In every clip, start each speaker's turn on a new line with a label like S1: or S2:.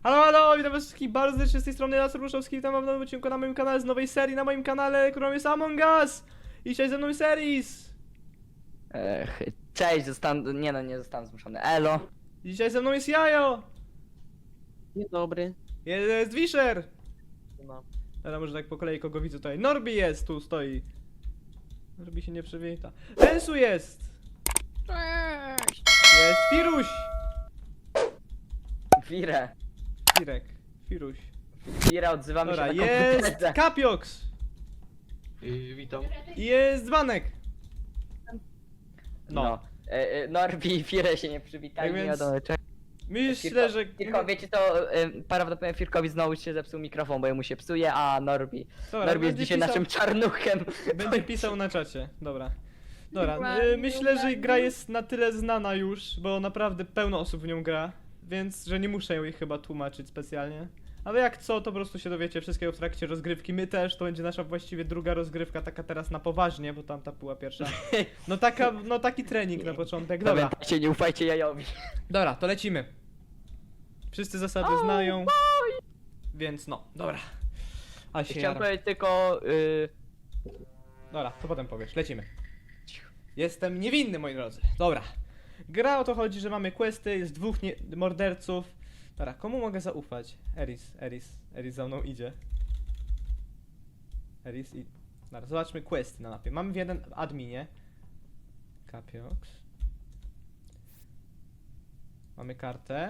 S1: Halo, halo, witam was wszystkich bardzo serdecznie z tej strony Laser Ruszowski, witam was w nowym odcinku na moim kanale z nowej serii na moim kanale, którą jest Among Us! I dzisiaj ze mną jest Eris!
S2: Cześć, nie zostanę zmuszony. Elo.
S1: I dzisiaj ze mną jest Jajo!
S3: Dzień dobry.
S1: Jest Wisher!
S3: No.
S1: Teraz może tak po kolei kogo widzę tutaj. Norbi jest, tu stoi. Norbi się nie przywita. Ensu jest!
S4: Cześć!
S1: Jest Firuś!
S2: Firę.
S1: Firek. Firuś.
S2: Fira, odzywamy
S1: Dobra,
S2: się na
S1: jest
S2: komputerze.
S1: Kapioks!
S5: Witam.
S1: I jest Dzbanek!
S2: No. Norbi i Firę się nie przywitali,
S1: Tak
S2: nie
S1: więc-
S2: wiadomo czego.
S1: Myślę, że...
S2: Firko, wiecie to, prawdopodobnie Firkowi znowu się zepsuł mikrofon, bo jemu się psuje, a Norbi
S1: Dobra,
S2: jest
S1: będzie
S2: dzisiaj
S1: pisał-
S2: naszym czarnuchem.
S1: Będzie pisał na czacie, dobra. Dobra,
S4: Ładnie,
S1: myślę, że
S4: ładnie.
S1: gra jest na tyle znana już, bo naprawdę pełno osób w nią gra, więc że nie muszę jej chyba tłumaczyć specjalnie. Ale jak co, to po prostu się dowiecie wszystkiego w trakcie rozgrywki. My też, to będzie nasza właściwie druga rozgrywka, taka teraz na poważnie, bo tamta była pierwsza. No taki trening na początek, dobra.
S2: Pamiętajcie, nie ufajcie Jajowi.
S1: Dobra, to lecimy. Wszyscy zasady znają, więc no, dobra. A się
S2: Chciałem
S1: jaram.
S2: powiedzieć tylko,
S1: Dobra, to potem powiesz, lecimy. Jestem niewinny, moi drodzy. Dobra. Gra o to chodzi, że mamy questy, jest dwóch morderców. Dobra, komu mogę zaufać? Eris za mną idzie. Eris i... Dobra, zobaczmy questy na mapie. Mamy w jeden adminie. Kapioks. Mamy kartę.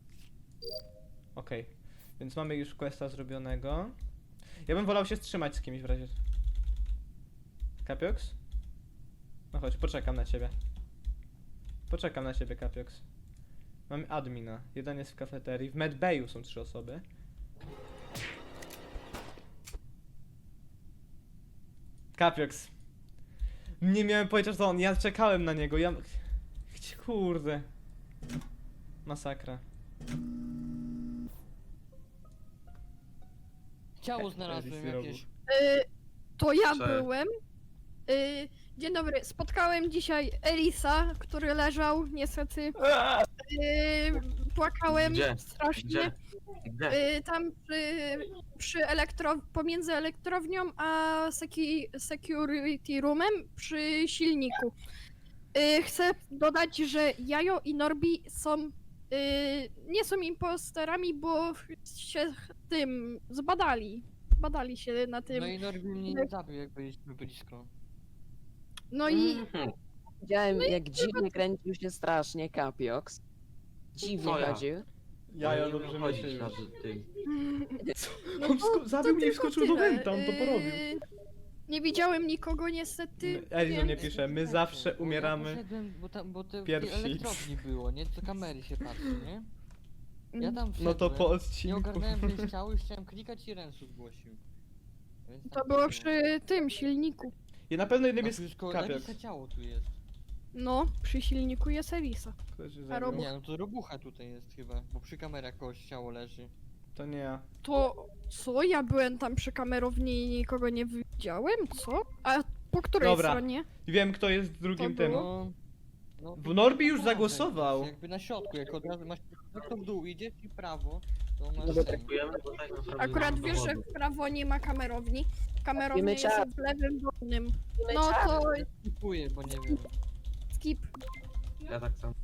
S1: Okej. Więc mamy już questa zrobionego. Ja bym wolał się wstrzymać z kimś w razie. Kapioks? No chodź, poczekam na ciebie. Poczekam na ciebie, Kapioks. Mamy admina. Jeden jest w kafeterii. W medbayu są 3 osoby. Kapioks. Nie miałem pojęcia, że to on. Ja czekałem na niego. Kurde. Masakra.
S6: Ciało znalazłem jakieś.
S4: To ja
S5: Cześć.
S4: byłem. Dzień dobry, spotkałem dzisiaj Erisa, który leżał, niestety. Płakałem
S5: Gdzie?
S4: strasznie.
S5: Gdzie?
S4: Tam pomiędzy elektrownią a security roomem przy silniku. Chcę dodać, że Jajo i Norbi są nie są imposterami, bo się tym zbadali. Badali się na tym.
S6: No i Norbi mnie nie zabił, jak byliśmy blisko.
S4: No i
S3: Widziałem, jak dziwnie kręcił się strasznie Kapioks. Dziwnie
S5: To ja.
S3: chodził.
S1: Jaja
S5: nie
S1: dobrze
S5: umiem
S1: myśli
S5: chodzić
S1: już.
S5: na tym.
S4: no
S1: On
S4: to
S1: zabił mnie i
S4: tylko
S1: wskoczył do
S4: tyle.
S1: wenta, on to porobił.
S4: Nie widziałem nikogo niestety.
S1: Eris nie
S4: więc-
S1: pisze, my zawsze
S6: Bo ja
S1: umieramy.
S6: poszedłem, bo to w tej
S1: pierwsi.
S6: elektrowni było, nie? Co kamery się patrzy, nie? Ja tam
S1: No to
S6: wszedłem,
S1: po
S6: nie
S1: odcinku.
S6: ogarnąłem gdzieś ciało i chciałem klikać i Rensu zgłosił. Więc
S4: To
S6: tak
S4: było
S6: było.
S4: przy tym silniku.
S1: I na pewno jednym
S6: A
S1: jest
S6: tu już koło
S1: Kapioks.
S6: Erisa ciało tu jest.
S4: No, przy silniku jest Erisa.
S1: Kto się
S4: A
S1: zabił?
S4: Robu-
S6: Nie, no to robucha tutaj jest chyba, bo przy kamerach kogoś ciało leży.
S1: To nie ja.
S4: To co? Ja byłem tam przy kamerowni i nikogo nie widziałem? Co? A po której
S1: Dobra.
S4: stronie?
S1: I wiem kto jest drugim
S4: To
S1: tym.
S4: było?
S6: No,
S1: W Norbi już
S6: na dole
S1: zagłosował.
S6: jest, Jakby na środku, jak od razu masz to w dół idziesz i w prawo, to masz
S3: Dobra,
S6: ten.
S5: Dziękujemy, bo tak naprawdę
S4: Akurat
S5: nie ma
S4: wiesz, że
S5: dowodu.
S4: w prawo nie ma kamerowni. Kamerownia
S3: Wiemy
S4: jest
S3: czas.
S4: w lewym dolnym.
S3: Wiemy
S4: No
S3: czas.
S4: to
S6: Kupuję, bo nie wiem.
S4: skip.
S5: Ja tak samo.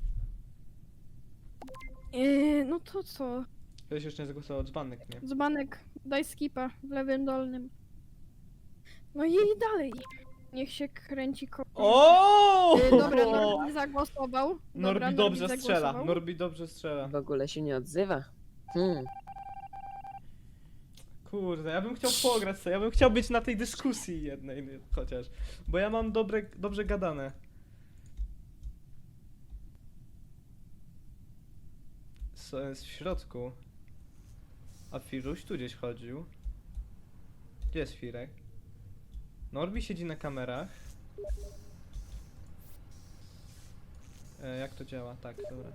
S4: No to co?
S1: Ktoś jeszcze nie zagłosował, dzbanek, nie?
S4: Dzbanek, daj skipa w lewym dolnym. No i dalej. Niech się kręci koło.
S1: O!
S4: Dobra, Norbi zagłosował. Dobra,
S1: Norbi dobrze strzela,
S4: zagłosował.
S1: Norbi dobrze strzela.
S3: W ogóle się nie odzywa.
S1: Kurde, ja bym chciał pograć sobie, ja bym chciał być na tej dyskusji jednej chociaż. Bo ja mam dobrze gadane. Co jest w środku? A Firuś tu gdzieś chodził. Gdzie jest Firek? Norbi siedzi na kamerach. Jak to działa? Tak, dobra.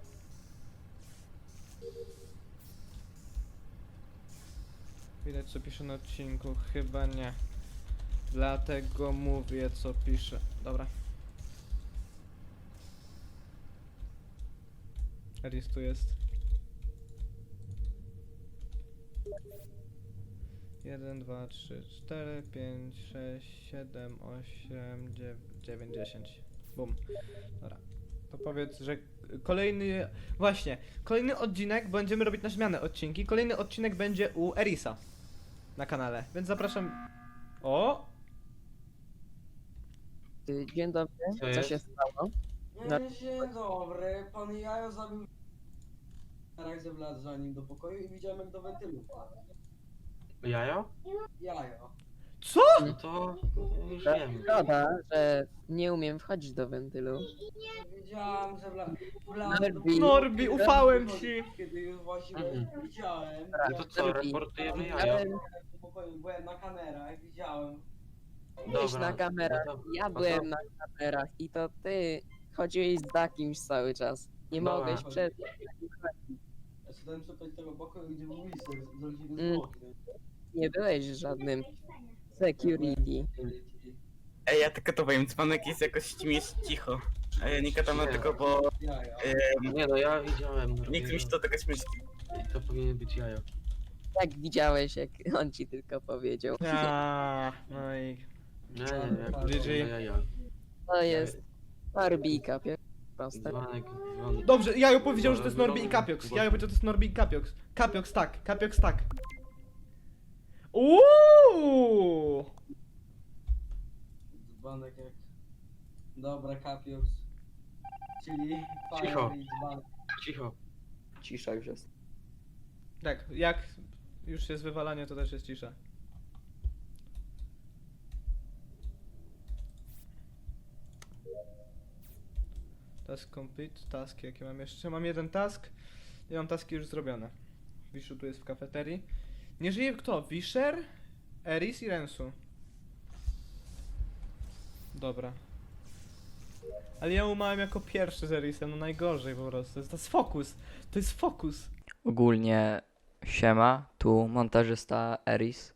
S1: Widać co pisze na odcinku, chyba nie. Dlatego mówię co pisze. Dobra. Eris tu jest. 1, 2, 3, 4, 5, 6, 7, 8, 9, 10. Bum. Dobra. To powiedz, że kolejny... Właśnie, kolejny odcinek będziemy robić na zmianę odcinki. Kolejny odcinek będzie u Erisa na kanale, więc zapraszam... O!
S3: Dzień dobry,
S5: Co
S3: co
S5: jest?
S3: się stało?
S7: Dzień dobry, pan Jajo zabił charakter wlazł za nim do pokoju i widziałem jak do wentylu wpadł.
S5: Jajo?
S7: Jajo.
S1: Co?
S5: No to już
S3: To
S5: wiemy.
S3: Szkoda, że nie umiem wchodzić do wentylu.
S7: Wiedziałem, że wlazł do
S3: Norbi.
S1: Norbi, ufałem ci!
S7: Kiedy już właściwie widziałem.
S5: No to co,
S3: Norbi.
S5: reportujemy jajo?
S3: Byłem,
S7: Do pokoju, byłem na kamerach, widziałem.
S3: byłeś na kamerach,
S5: no to-
S3: ja
S5: no to-
S3: byłem na kamerach i to ty chodziłeś za kimś cały czas. Nie
S5: Dobra.
S3: mogłeś przed...
S7: Ja szedłem szukać tego pokoju, gdzie był Whisper, z rodziny
S3: Mm.
S7: zwłoki.
S3: Nie byłeś żadnym security.
S8: Ej, ja tylko to powiem, dzwonek jest jakoś cicho. A ja nie gadam
S5: Nie.
S8: tylko, bo
S7: Jajo.
S5: Nie no, ja widziałem.
S8: nie chce mi się to taka śmieszki.
S5: I to powinien być jajo.
S3: Jak widziałeś, jak on ci tylko powiedział.
S1: No i...
S5: Nie, nie,
S1: GG.
S5: jajo.
S3: To jest Barbika, proste.
S5: Dzwonek.
S1: Dobrze, Jajo powiedział, że to jest
S5: Dobra,
S1: Norbi i
S5: dobra.
S1: Capiox. Jajo powiedział, że to jest Norbi i Capiox. Capiox tak, Capiox tak. Uuuu!
S7: Dzbanek jak... Dobra, Capiox. Czyli...
S5: Cicho.
S7: Fire i dzbanek.
S5: Cicho.
S2: Cisza już jest.
S1: Tak, jak już jest wywalanie, to też jest cisza. Task complete, task jakie mam jeszcze? Mam jeden task i mam taski już zrobione. Wiszu tu jest w kafeterii. Nie żyje kto? Wisher, Eris i Rensu. Dobra. Ale ja umarłem jako pierwszy z Erisem, no najgorzej po prostu. To jest fokus. To jest fokus.
S2: Ogólnie siema, tu montażysta Eris.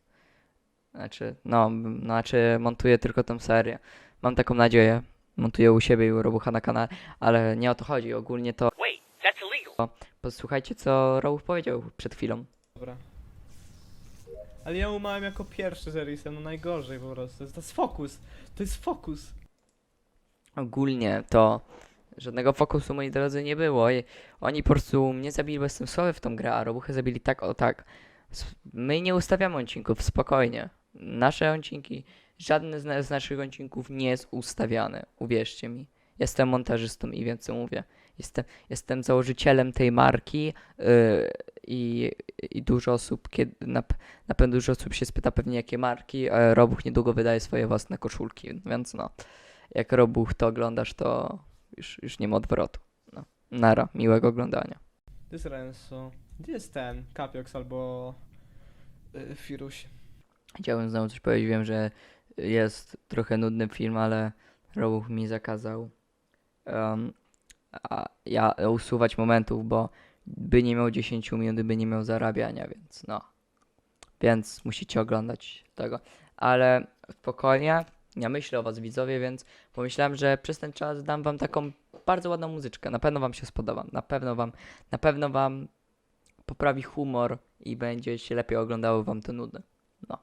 S2: Znaczy montuję tylko tą serię. Mam taką nadzieję. Montuję u siebie i u Robucha na kanale, ale nie o to chodzi. Ogólnie to... Posłuchajcie, co Robuch powiedział przed chwilą.
S1: Dobra. Ale ja umarłem jako pierwszy z Erisem, no najgorzej po prostu. To jest fokus. To jest fokus.
S2: Ogólnie to żadnego fokusu, moi drodzy, nie było. I oni po prostu mnie zabili bezsensownie w tą grę, a Robuchy zabili tak o tak. My nie ustawiamy odcinków, spokojnie. Nasze odcinki, żadne z naszych odcinków nie jest ustawiany, uwierzcie mi. Jestem montażystą i wiem co mówię. Jestem założycielem tej marki i dużo osób, na pewno dużo osób się spyta pewnie jakie marki. Robuch niedługo wydaje swoje własne koszulki, więc no. Jak Robuch to oglądasz, to już nie ma odwrotu. No. Nara, miłego oglądania.
S1: To jest Rensu. Gdzie jest ten? Capiox albo... Firuś.
S2: Chciałbym znowu coś powiedzieć, wiem, że jest trochę nudny film, ale Robuch mi zakazał usuwać momentów, bo by nie miał 10 minut, by nie miał zarabiania, więc no. Więc musicie oglądać tego. Ale spokojnie, ja myślę o was widzowie, więc pomyślałem, że przez ten czas dam wam taką bardzo ładną muzyczkę. Na pewno wam się spodoba. Na pewno wam poprawi humor i będzie się lepiej oglądało wam te nudy. No.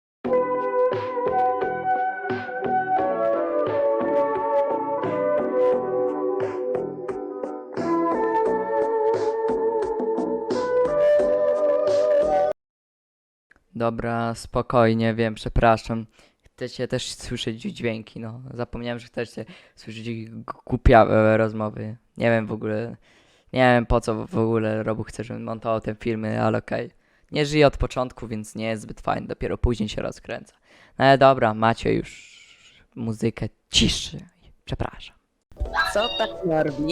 S2: Dobra, spokojnie, wiem, przepraszam. Chcecie też słyszeć dźwięki, no. Zapomniałem, że chcecie słyszeć głupiawe rozmowy. Nie wiem w ogóle, nie wiem po co w ogóle Robuch chce, żebym montował te filmy, ale okej. Nie żyje od początku, więc nie jest zbyt fajny, dopiero później się rozkręca. No ale dobra, macie już muzykę ciszy. Przepraszam.
S3: Co tak Norbi?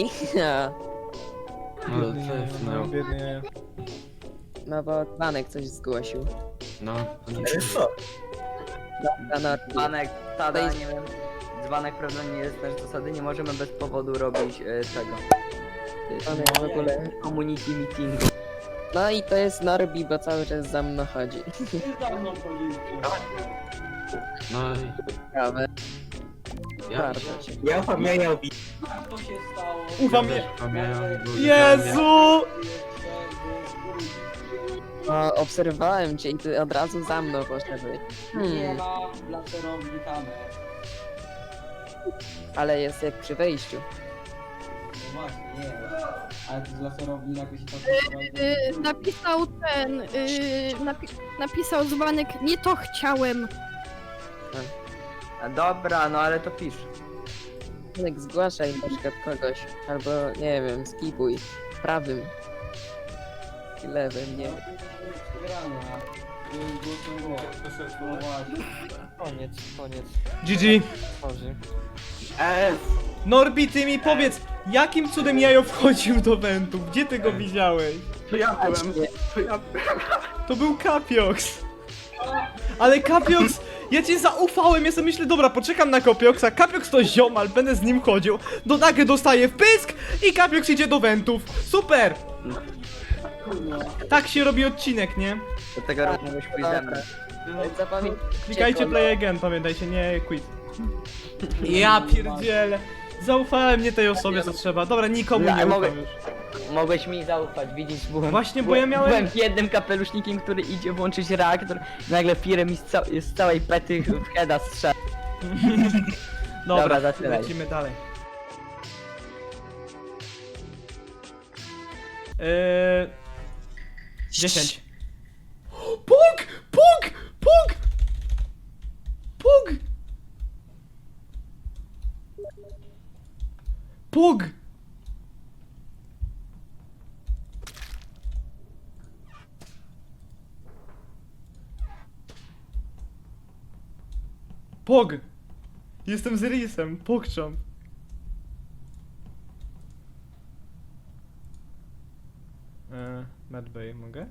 S5: No, co jest, no.
S1: Biedny Jajo.
S3: No bo Dzbanek coś zgłosił.
S5: No, to nie
S3: Dobra, Norbi.
S2: Dzbanek, tada,
S3: To jest-
S2: nie wiem. Dzbanek prawda nie jest też zasady, nie możemy bez powodu robić tego.
S3: Dzbanek w ogóle.
S2: Community meetingu.
S3: No i to jest Norbi, bo cały czas za mną chodzi.
S7: Ty za mną chodzisz.
S5: No,
S3: Ciekawe,
S5: ja
S3: bardzo
S5: widziałem.
S3: ciekawe.
S8: Ja pamiętam.
S7: Co się stało?
S1: Ufam
S5: Ja
S1: je...
S5: też pamiętam, bo
S1: Jezu!
S7: Jeszcze,
S3: No, obserwowałem cię i ty od razu za mną poszedłeś.
S7: Nie ma w laserowni kamer.
S3: Ale jest jak przy wejściu.
S7: No właśnie, nie. Ale to z laserowni nagle się tam
S4: Napisał ten, napisał dzbanek, nie to chciałem.
S9: Dobra, no ale to pisz.
S3: Jak zgłaszaj na przykład kogoś, albo nie wiem, skipuj prawym. Lewym, nie wiem.
S7: Przegrana. No właśnie.
S6: Koniec.
S1: GG.
S6: Tworzy.
S1: Norbi, ty mi powiedz, jakim cudem jajo wchodził do wentu? Gdzie ty go widziałeś?
S8: To ja byłem.
S3: Nie.
S8: To ja
S1: To był Kapioks. Ale Kapioks, ja ci zaufałem, ja sobie myślę, dobra, poczekam na Kapioksa, Kapioks to ziomal, będę z nim chodził, do nagle dostaję w pysk i Kapioks idzie do wentów. Super! Tak się robi odcinek, nie?
S9: Do tego rozmawiałeś pójść ze mną.
S3: Zapamiętajcie,
S1: Klikajcie play again, pamiętajcie, nie quit. Ja pierdzielę. Zaufałem nie tej osobie, co trzeba. Dobra, nikomu
S9: Ja
S1: nie
S9: mogę-
S1: ufam już.
S9: Mogłeś mi zaufać, widzisz, byłem...
S1: Właśnie, bo ja miałem-
S9: Byłem jednym kapelusznikiem, który idzie włączyć reaktor, nagle firem mi z całej pety w heada strzela.
S1: Dobra,
S9: Dobra, zaczynaj.
S1: lecimy dalej. 10. Puk! Puk! Puk! Puk! Puk! Pog! Jestem z Risem, pokczam. Medbay, mogę?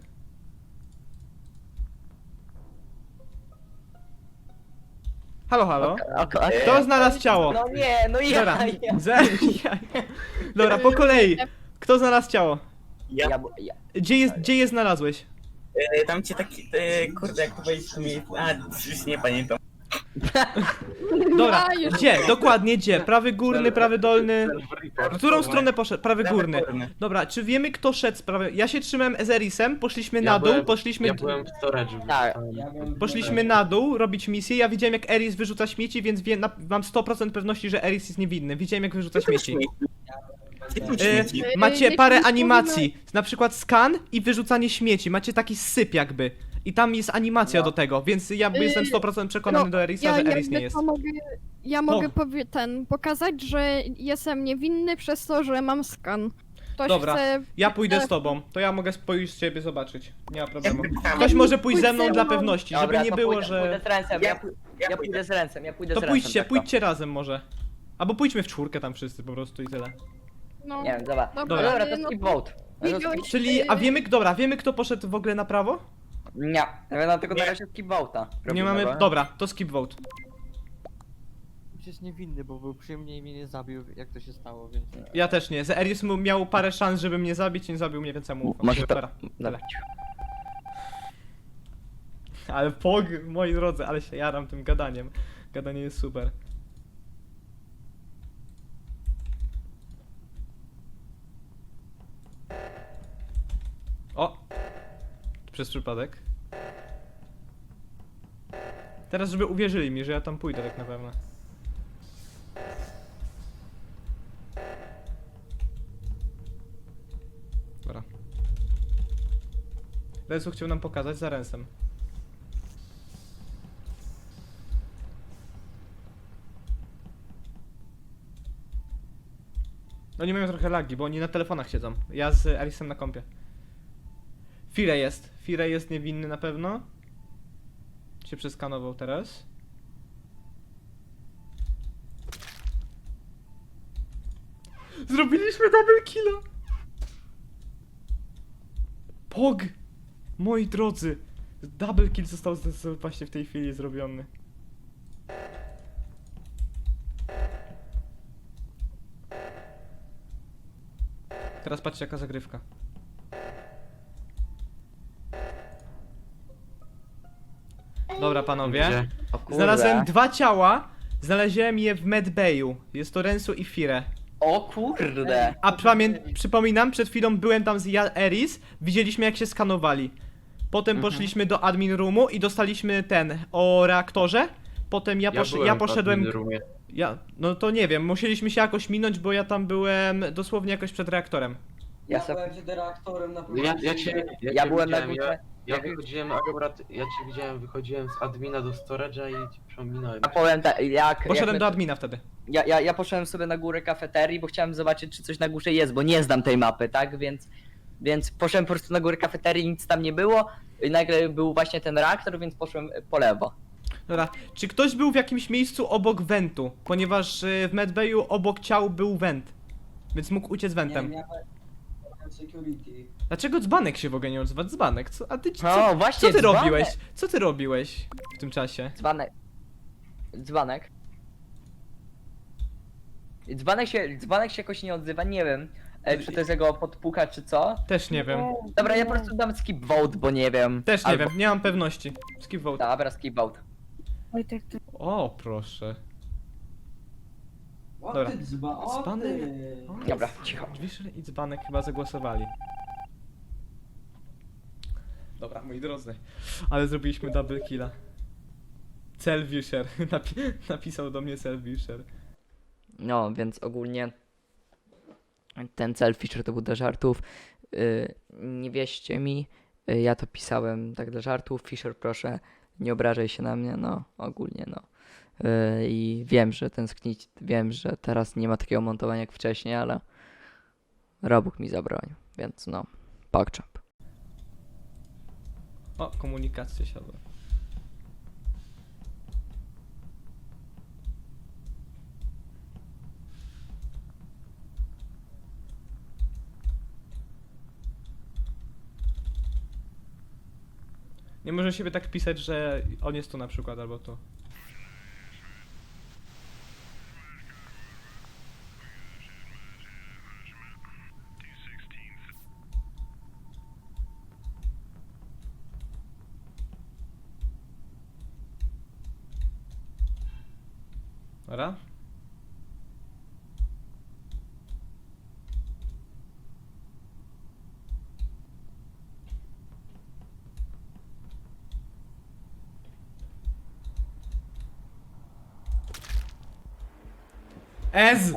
S1: Halo, halo? Kto znalazł ciało?
S9: No nie, no
S1: Dobra,
S9: ja.
S1: Dobra, po kolei. Kto znalazł ciało?
S8: Ja.
S1: Gdzie je znalazłeś?
S8: Tam cię taki, kurde, jak to powiedzieć, to mi... A, już nie pamiętam.
S1: Dobra,
S4: A, już.
S1: gdzie? Dokładnie gdzie? Prawy górny, prawy dolny? W którą stronę poszedł? Prawy górny. Dobra, czy wiemy kto szedł z prawej? Ja się trzymałem z Erisem, poszliśmy na dół, poszliśmy...
S5: Ja byłem w storage'u.
S9: Tak.
S7: Ja bym-
S1: Poszliśmy na dół robić misję, ja widziałem jak Eris wyrzuca śmieci, więc mam 100% pewności, że Eris jest niewinny. Widziałem jak wyrzuca śmieci. Macie
S4: Jeśli
S1: parę
S4: mówimy-
S1: animacji, na przykład skan i wyrzucanie śmieci, macie taki syp jakby. I tam jest animacja do tego, więc ja jestem 100% przekonany do Erisa, że Eris
S4: jakby
S1: nie jest.
S4: to mogę pokazać, że jestem niewinny przez to, że mam skan. Ktoś
S1: Dobra.
S4: chce...
S1: Ja pójdę z tobą, to ja mogę pójść z ciebie zobaczyć. Nie ma problemu. Ktoś może pójść ze mną dla pewności, żeby
S9: Dobra,
S1: nie
S9: to
S1: było,
S9: pójdę,
S1: że...
S9: Pójdę z ręcem,
S8: Ja
S9: ja
S8: pójdę.
S9: pójdę z ręcem, ja pójdę
S1: To
S9: z ręcem. tak
S1: pójdźcie razem może. Albo pójdźmy w czwórkę tam wszyscy po prostu i tyle.
S4: No,
S9: Nie wiem, dobra.
S4: Dobra,
S9: Dobra, to
S4: no
S9: skip
S4: to-
S9: vote. No to
S4: Widziałeś-
S9: skip-
S1: Czyli, a wiemy kto poszedł w ogóle na prawo?
S9: Nie, no tylko na razie skip vote'a.
S1: Nie
S9: robimy,
S1: mamy,
S9: bo-
S1: dobra, to skip vote.
S6: Przecież niewinny, bo był przy mnie i mnie nie zabił, jak to się stało, więc...
S1: Ja też nie, że Eris miał parę szans, żeby mnie zabić, nie zabił mnie, więc ja mu ufam.
S9: Może to...
S1: Dobra,
S9: Dobra.
S1: Ale Pog, moi drodzy, ale się jaram tym gadaniem. Gadanie jest super. O! Przez przypadek. Teraz, żeby uwierzyli mi, że ja tam pójdę tak na pewno. Dobra. Rensu chciał nam pokazać za Rensem. Oni mają trochę lagi, bo oni na telefonach siedzą. Ja z Erisem na kompie. Fire jest. Fire jest niewinny na pewno. Się przeskanował teraz. Zrobiliśmy double killa! Pog! Moi drodzy! Double kill został właśnie w tej chwili zrobiony. Teraz patrzcie jaka zagrywka. Dobra panowie.
S5: Gdzie?
S9: O kurde.
S1: Znalazłem 2 ciała. Znalazłem je w Medbayu. Jest to Rensu i Fire.
S9: O kurde.
S1: A przypominam, przed chwilą byłem tam z Eris. Widzieliśmy jak się skanowali. potem poszliśmy do admin roomu i dostaliśmy o reaktorze. Potem ja
S5: byłem w
S1: poszedłem.
S5: admin roomie.
S1: No to nie wiem, musieliśmy się jakoś minąć, bo ja tam byłem dosłownie jakoś przed reaktorem.
S7: Ja
S9: Ja se-
S7: byłem przed reaktorem na
S9: Ja byłem na
S5: widziałem,
S9: górze.
S5: Ja wychodziłem akurat, ja cię widziałem, wychodziłem z admina do storage'a i cię przeminąłem.
S9: Ja powiem tak,
S1: Poszedłem do admina wtedy.
S9: Ja poszedłem sobie na górę kafeterii, bo chciałem zobaczyć, czy coś na górze jest, bo nie znam tej mapy, tak? Więc poszedłem po prostu na górę kafeterii, nic tam nie było. I nagle był właśnie ten reaktor, więc poszłem po lewo.
S1: Dobra, czy ktoś był w jakimś miejscu obok wentu? Ponieważ w medbayu obok ciał był went. Więc mógł uciec wentem.
S7: Nie, ja byłem security.
S1: Dlaczego dzbanek się w ogóle nie odzywa? Dzbanek, co? A ty
S9: O, właśnie,
S1: co ty
S9: dzbanek.
S1: robiłeś? Co ty robiłeś w tym czasie?
S9: Dzbanek. Dzbanek. Dzbanek się jakoś nie odzywa, nie wiem. Czy to jest jego podpuka, czy co?
S1: Też nie wiem.
S9: Dobra, ja po prostu dam skip vote, bo nie wiem.
S1: Też nie
S9: Albo-
S1: wiem, nie mam pewności. Skip vote.
S9: Dobra, skip vote.
S1: O, proszę.
S7: O
S1: Dobra.
S7: ty dzba, o
S1: Dzbanek?
S7: ty.
S1: O,
S9: Dobra, cicho.
S1: Wisher i dzbanek chyba zagłosowali. Dobra, moi drodzy. Ale zrobiliśmy double killa. Cel Wisher. Napisał do mnie Cel Wisher.
S2: No, więc ogólnie ten cel Fisher to był dla żartów. Nie wierzcie mi, ja to pisałem tak dla żartów. Fisher, proszę, nie obrażaj się na mnie, no, ogólnie, no. I wiem, że tęsknić, wiem, że teraz nie ma takiego montowania jak wcześniej, ale Robóg mi zabronił, więc no, PogChamp.
S1: O, komunikacja siadła. Nie może siebie tak pisać, że on jest tu na przykład, albo tu. Dobra? Ez!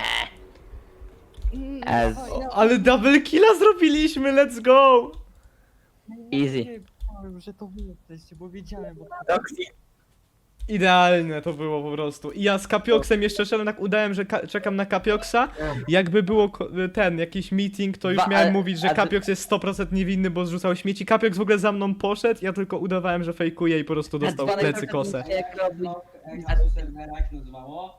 S9: Ez.
S1: Ale double killa zrobiliśmy, let's go!
S9: Easy.
S6: Nie wiedziałem, że to wy jesteście, bo wiedziałem, bo
S1: Idealne to było po prostu. I ja z Kapioksem jeszcze szedłem, tak udałem, że czekam na Kapioksa. Jakby było jakiś meeting, to już miałem mówić, że Kapioks jest 100% niewinny, bo zrzucał śmieci. Kapioks w ogóle za mną poszedł, ja tylko udawałem, że fejkuję i po prostu dostał w
S9: dzbanek
S1: plecy
S9: trochę
S1: kosę.
S9: Jak robi...
S7: Jak to serwera, jak nazywało?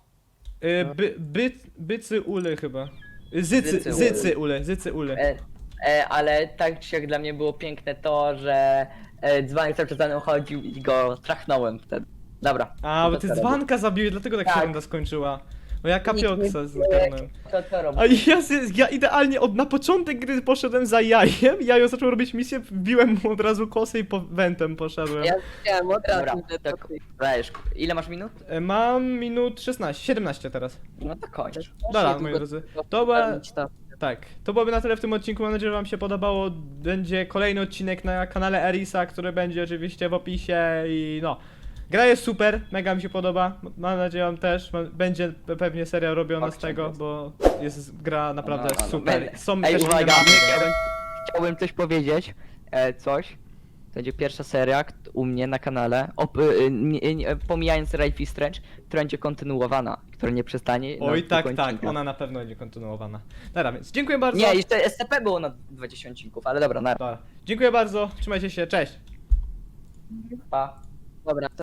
S1: Bycy ule chyba.
S9: Zycy
S1: Zycy ule.
S9: Ale tak czy jak dla mnie było piękne to, że dzbanek cały czas za mną chodził i go trachnąłem wtedy. Dobra.
S1: A, bo ty
S9: co
S1: dzbanka zabiłeś, dlatego tak się
S9: Tak.
S1: runda skończyła. Bo ja
S9: Nikt nie
S1: Kapioksa
S9: wie,
S1: zgarnąłem.
S9: Co robi?
S1: A ja idealnie na początek gry poszedłem za jajem, jajo zaczął robić misję, wbiłem mu od razu kosę i wentem poszedłem.
S3: Ja chciałem od
S9: Dobra,
S3: razu, że to
S9: tak.
S3: ty.
S9: Dajesz. Ile masz minut?
S1: Mam minut 16, 17 teraz.
S9: No to kończ.
S1: Dobra,
S3: długo
S1: moi drodzy.
S3: to
S1: To była,
S3: spełnić to.
S1: tak, to byłoby na tyle w tym odcinku, mam nadzieję, że wam się podobało. Będzie kolejny odcinek na kanale Erisa, który będzie oczywiście w opisie i no. Gra jest super, mega mi się podoba, mam nadzieję, wam też. Będzie pewnie seria robiona z tego, bo jest gra naprawdę
S9: No,
S1: super. Są
S9: Ej,
S1: też
S9: uwaga,
S1: inne mapy.
S9: chciałbym coś powiedzieć. Coś. To będzie pierwsza seria u mnie na kanale, pomijając Life is Strange, która będzie kontynuowana, która nie przestanie. na
S1: Oj, tak,
S9: kilku
S1: tak,
S9: odcinkach.
S1: ona na pewno będzie kontynuowana. Dobra, więc dziękuję bardzo.
S9: Nie, jeszcze SCP było na 20 odcinków, ale dobra, na
S1: Dobra. Dziękuję bardzo, trzymajcie się, cześć.
S9: pa.
S3: Dobra,